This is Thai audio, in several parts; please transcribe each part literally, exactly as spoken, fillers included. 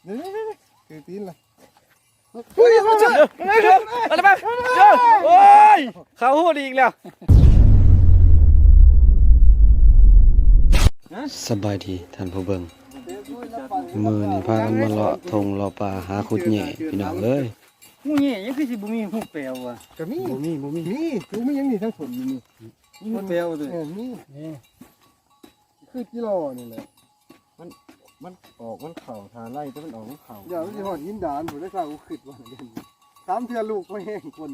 เดี๋ยวๆคือตีนเลยเฮ้ยมาเจออะไรมาเจอโอ้ยเขาหูดอีกแล้วสบายดีท่านผู้เบิ่งมือนี่พากันมาเลาะทงเลาะป่าหาขุดแหน่พี่น้องเอ้ยงูเงี้ยยังคือสิบุมีหูเปลวอ่ะก็มีบ่มีบ่มีมีคือมียังนี่ทั้งฝนอยู่นี่หูเปลวเลยเออมีคือกิโลนี่แหละมันมันออกมันเข่าทานไล่แต่มันออกมันเข่าอย่ามันจะหอดยินดานผมได้กล่าวกูขึ้นว่าเด่นสามเทือลูกไม่แห้งคน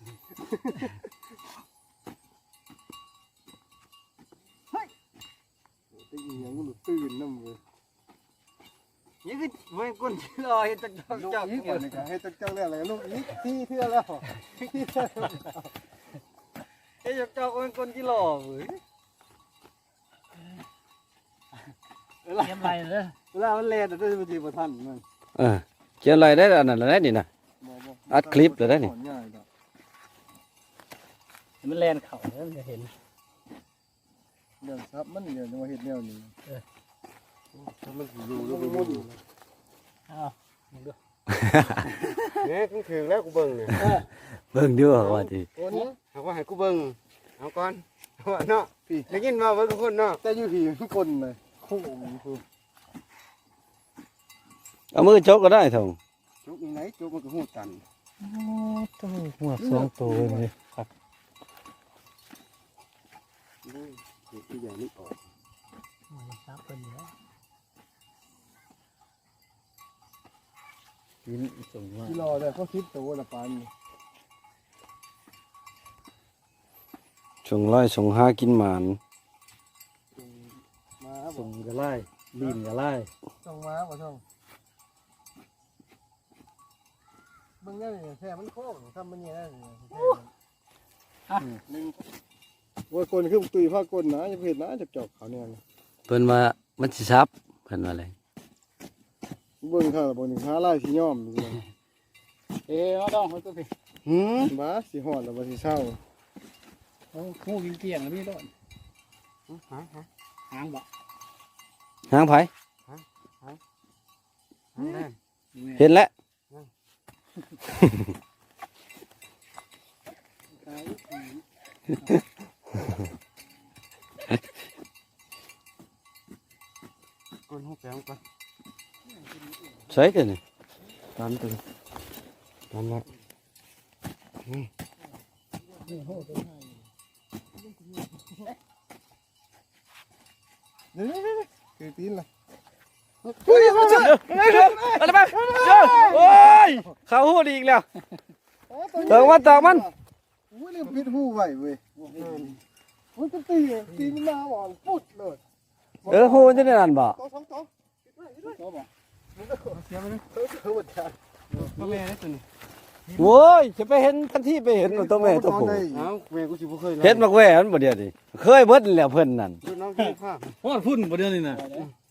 เฮ้ยตีอย่างมันตื่นน้ำเลยยังคือไม่ก้นลอยจักจักลูกจักอีกคนนึงให้จักจังเรื่องอะไรลูกอีกที่เทือแล้วที่เทือไอ้จักจักเป็นก้นกิโลเว้ยเยี่ยมไรเลยเวลามันเล่นได้บางทีประทันมันเออเขียนอะไรได้อันนั้นได้นี่นะอัดคลิปเลยได้นี่มันแลนเข่าแล้วมันจะเห็นเดี๋ยวครับมันเดี๋ยวมาเห็ดแนวนี้ถ้ามันอยู่แล้วมันมุ่นอ้าวมึงดูเนี่ยกูถึงแล้วกูเบิ่งเนี่ยเบิ่งดูว่าดิตัวนี้เอาว่าให้กูเบิ่งเอาก่อนเอาเนาะพี่ได้ยินมาเบิ่งทุกคนเนาะแต่อยู่ผีทุกคนเลยคู่คือเอามือจกก็ได้ทงจุกยังไงจุกมันก็หูตันต้องหัวสองตัวเลยครับที่ใหญ่นี่ออกมันซับเป็นอยู่แล้วกินส่งมากิโลเลยก็คิดตัวละปันส่งร้อยส่งห้ากินหมานมาบอส่กงกระไล่บีมกระไล่ส่งมาบ่ช่องเบิ่งได้เลยแท้มันโค้งทำมันเนี่ยได้เลยหนึ่งว่าคนคือตุยผ้าก้นนะจะเห็นนะจะจอกเขาเนี่ยเพิ่นว่ามันสิซับเพิ่นว่าอะไรเบิ่งค่ะบ่หนึ่งหาลายสีย้อมดูนะเอ๊ะเอาต้องเขาตัวพี่หืมบ้าสีหอดแล้วบ่สีเศร้าโอ้งูกินเกลี้ยงแล้วพี่ต้นฮะฮะหางบ่หางไผฮะแน่เห็นแล้วก้นหูแปลวก่อนใช่กันนี่ตามตัวตามละนี่โหตัวให้เดี๋ยวๆคือตีนเลยเฮ้ยมาเจออะไรมาเจอโอ้ยเขาหูดอีกแล้วเติมมันเติมมันโอ้ยนี่ปิดหูไว้เว้ยโอ้ยจะตีตีมันมาบ่อนปุ๊ดเลยเออหูจะได้นั่นบ่ตัวสองตัวตัวบ่เสียไปเลยเออเออหมดจานพ่อแม่ได้ตัวนี้โว้ยจะไปเห็นทันทีไปเห็นตัวแม่ตัวผู้เอาแม่กูสิบ่เคยเห็นมักแหวนบ่เดียวดิเคยเบิดแล้วเพิ่นนั่นดูน้องกินข้าวโอ้พุ่นบ่เดือนนี่นะ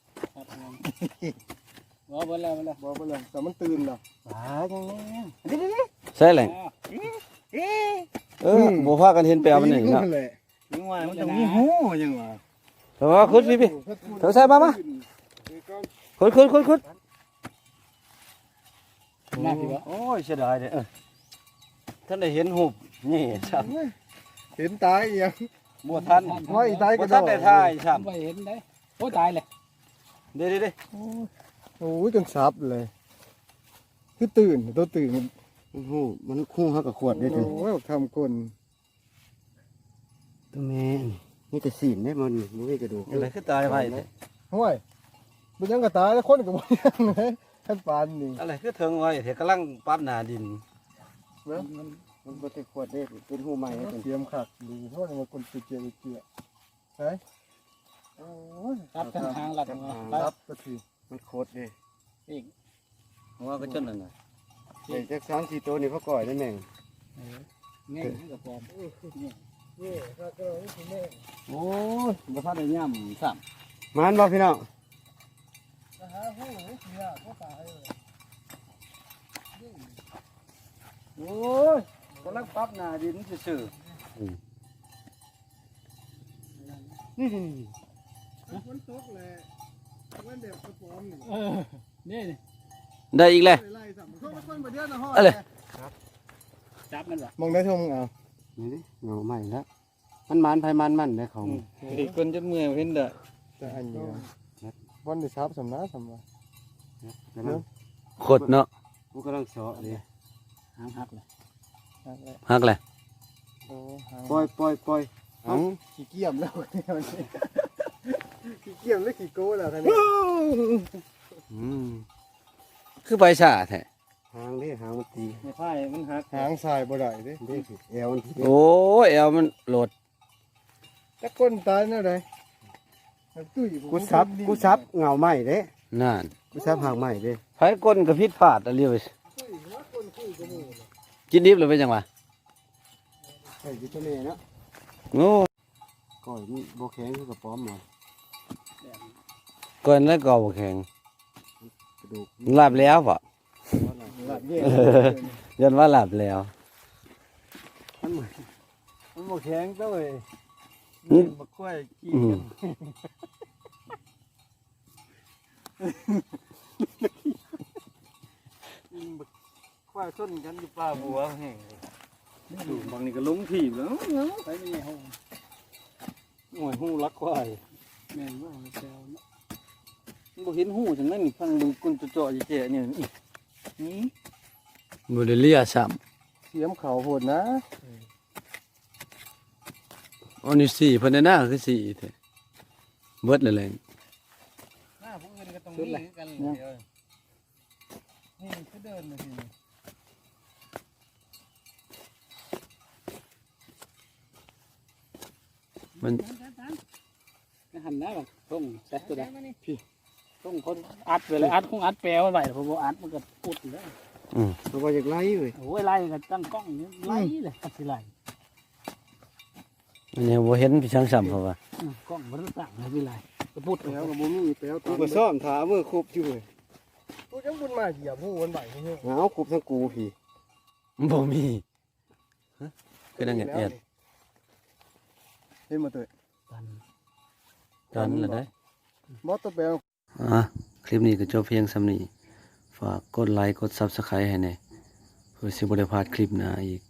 บ่บ่แล้วบ่แล้วบอกไปเลยแต่มันตื่นแล้วปลาจังแน่ใช่แหละเออบ่พากันเห็นแปลมันนี่เนาะแหละยังว่ามันต้องมีหูยังว่าเถอะขุดพี่พี่เถอะใส่มามาขุดขุดขุดขุดน่าสิบ่โอ้ยเสียดายเด้อท่านได้เห็นหูบนี่ครับเห็นตายอีหยังบ่ทันห้อยตายบ่ก็ทันได้ถ่ายทซ้ํำไปเห็นได้โอ้ตายเลยเด้ๆโอ้ยจนซับเลยคือตื่นตัวตื่นมันหูมันคู่ฮักกับขวดได้ถึงโอ้ยทำคนตัวแม่นี่จะสีนได้มันบ่มีกระดูกๆอะไรคือตายไปเด้ห้วยมันยังก็ตายแล้วคนก็บ่ยังเลยท่านปานนี่อะไรคือเทิงไว้เถอะกำลังปรับหน้าดินมันบ่ได้ขวดได้เป็นหูใหม่ได้ถึงเตรียมขัดดูเพราะว่าคนติดเจียเจียใช่โอ้ยรับทางทางหลักมารับก็ทีมันโคตรเด้อีกว่าก็จนนั่นน่ะแต่จักสามสี่ตัวนี่เขาก่อยได้แม่งง่ายกับฟอมนี่ถ้าก็นี่คือแม่โอ้ยบ่ทันได้ย่ำซ้มันบ่พี่น้องนะฮะหูนี่เสียเขาตายเลยโอ้ยกำลังปรับหน้าดินซื่อนี่ฝนตกเลยมันเด็กกระป๋อมนี่ำเออนี่ได้อีกแล้วไล่สั่งเข้ามาคนบ่เดียวนะฮอดเอาเลยจับมันวะมองได้ชมเอานี่ดิเงาใหม่แล้วมันมันไผมันมันได้ของอีกคนจะเมื่อยเห็นเด้อแต่อันนี้วันที่ซับสำนักสำนักกำลังขดเนาะกูกำลังเสาะเลยหางหักเลยฮักแหละโอ้หางปล่อยปล่อยปล่อยเอ้าขี้เกียจแล้วขี้เกียจแล้วขี้โก้แล้วท่านนี้อืมคือใบชาแท้หางเด้หางมันตีในไพ่มันหักหางสายบ่ได้เด้เด้สิแอวมันตีโอ้ยเอวมันโหลดจักก้นตายแนวใดตุ้ยกูซับกูซับเงาใหม่เด้นั่นกูซับหางใหม่เด้ไผก้นก็ผิดพลาดอะไรเว้ยกินดิบหรือเป็นจังวะใส่กินตัวนี้เนาะโอ้ก่อยมันบ่แข็งคือกับป้อมหมดก้นแล้วก็บ่แข็งกระดูกลาบแล้วป่ะหลับเย็นยันว่าลาบแล้วมันเหมือนมันบ่แข็งเต้าเว้ยอืมบักควายขี้อืมควายชนกันอยู่ป่าบัวแห้งดูบางนี่ก็ลงถีบแล้วไปไม่ห้องหน่วยหูรักควายแม่นว่าแซวเนาะบ่เห็นหูจังนั้นนี่ฟังดูกุนจะเจาะๆแย่ๆเนี่ยนี่นี่บ่ได้เลียซ้ำเสียมเขาโหดนะอันนี้สี่เพิ่นน่ะคือสี่แท้เบิดเลยแหละหน้าผู้อื่นก็ต้องมีกันเดียวนี่คือเดินเลยทีมันนี่หันหน้าแบบต้องแซกตัวใดพี่ต้องคนอัดไปเลยอัดคงอัดแปลว่าไปผมบอกอัดมันก็พูดอยู่แล้วอืมเพราะว่าอยากไล่เว้ยโอ้ยไล่กันตั้งกล้องนี่ไล่เลยอัดสิไล่อันนี้บ่เห็นพี่ช่างซ้ำเพราะว่าอืมกล้องมันตั้งเลยสิไล่ก็พูดแปลวกับบ่มีแปลวกูก็ซ่อมถามือคุบอยู่เว้ยกูจังบุญมาเหยียบหูวันใบให้เฮ้ยเอาคุบทั้งกูพี่บ่มีฮะคือดังเอ็ดเห็นมาเตยกันๆตอนนั้นแหละได้มอตแปลวอ่ะคลิปนี้ก็จบเพียงส่ำนี้ฝากกดไลค์กด Subscribe ให้แหน่เพื่อสิบ่ได้พลาดคลิปหน้าอีก